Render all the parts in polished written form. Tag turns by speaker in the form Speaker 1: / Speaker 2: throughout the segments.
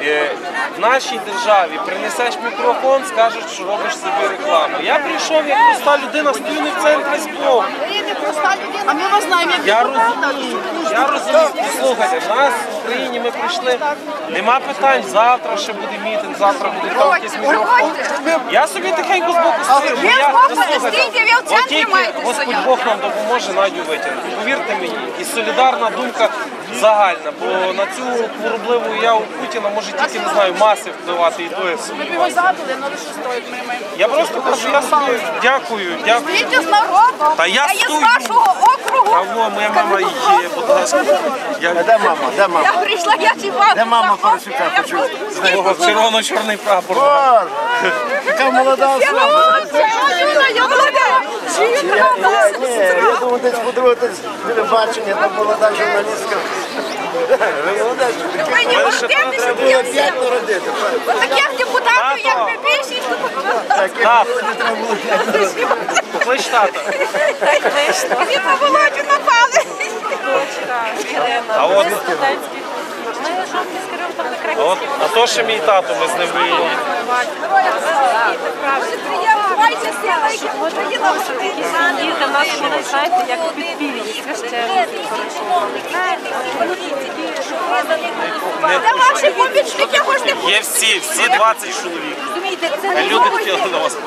Speaker 1: В нашій державі принесеш мікрофон, скажеш, що робиш собі рекламу. Я прийшов як проста людина, стою не в центрі збоку.
Speaker 2: А ми вас знаємо, як
Speaker 1: Я розумію. Послухайте, в нас в Україні ми прийшли, нема питань, завтра ще буде мітинг, завтра буде там якийсь мікрофон. Я собі тихенько збоку стою.
Speaker 2: Ви збоку не стійте, ви в центрі маєте
Speaker 1: Господь
Speaker 2: стояти.
Speaker 1: Бог нам допоможе Надю витягнути. Повірте мені, і солідарна думка загальна, бо на цю хворобливу яву Путіна може тільки, не знаю, маси впливати і то.
Speaker 2: Ми б його задали, але що стоїть, ми
Speaker 1: Я просто кажу, я собі дякую.
Speaker 2: Стійте з народу,
Speaker 1: Та я
Speaker 2: з
Speaker 1: стою.
Speaker 2: вашого округу.
Speaker 1: Кого? Моя мама є, будь ласка.
Speaker 3: Де мама? Де мама?
Speaker 2: Я прийшла, я ці вас.
Speaker 3: Де мама Порошенка почув?
Speaker 1: Червоно-чорний прапор.
Speaker 3: Боже, яка молода особа.
Speaker 2: Я молода.
Speaker 3: Ні, я думаю, десь подивитись телебачення, там молода журналістка. Ви молода,
Speaker 2: Ви не гордитеся,
Speaker 3: треба 5 народити.
Speaker 2: таких депутатів, як ви більшість.
Speaker 1: Так, клич тата.
Speaker 2: Ви на Володю напали.
Speaker 1: А то ще мій тато, ми з ним виїдемо.
Speaker 4: Їде в нас, знаєте, як підпільні священники.
Speaker 2: Де ваші помічники, можете
Speaker 1: Є всі 20 чоловік. Люди хотіли на вас.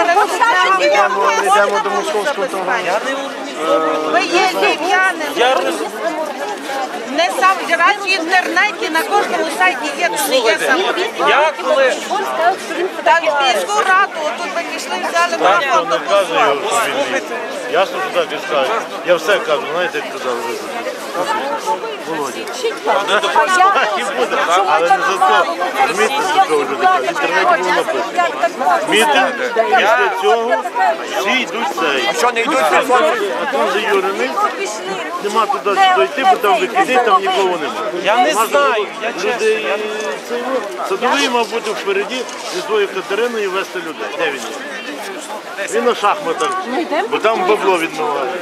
Speaker 3: Йдемо до московського товару.
Speaker 2: Ви є львів'яни.
Speaker 1: Я розумію.
Speaker 2: Не сам в інтернеті, на кожному сайті є, тут не є сам.
Speaker 1: Я коли...
Speaker 2: Так, в міську раду, тут ви пішли, взяли марафон до
Speaker 1: Послухайте.
Speaker 5: Ясно, що так і скажуть. Я все кажу, знаєте, як казав Володя. Так і буде, але не за то. Розумієте, за того люди кажуть. В інтернеті було написано. Мітинг, після цього всі йдуть цей. А що не йдуть? А там заюрений, нема туди дойти, бо там викиди, там нікого немає.
Speaker 1: Я не знаю, я чесно.
Speaker 5: Садовий мав бути впереді зі своєю Катериною вести людей. Де він є? Він на шахматах, бо там бабло відмиває.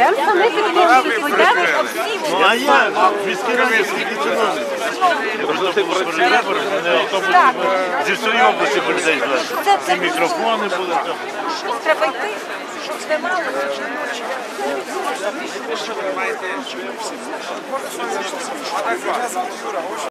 Speaker 5: Ну а я в міській раді скільки чиновників. Якщо це були перед виборами, мене автобус зі всієї області по людей звезли. Ці мікрофони були.
Speaker 2: Треба йти.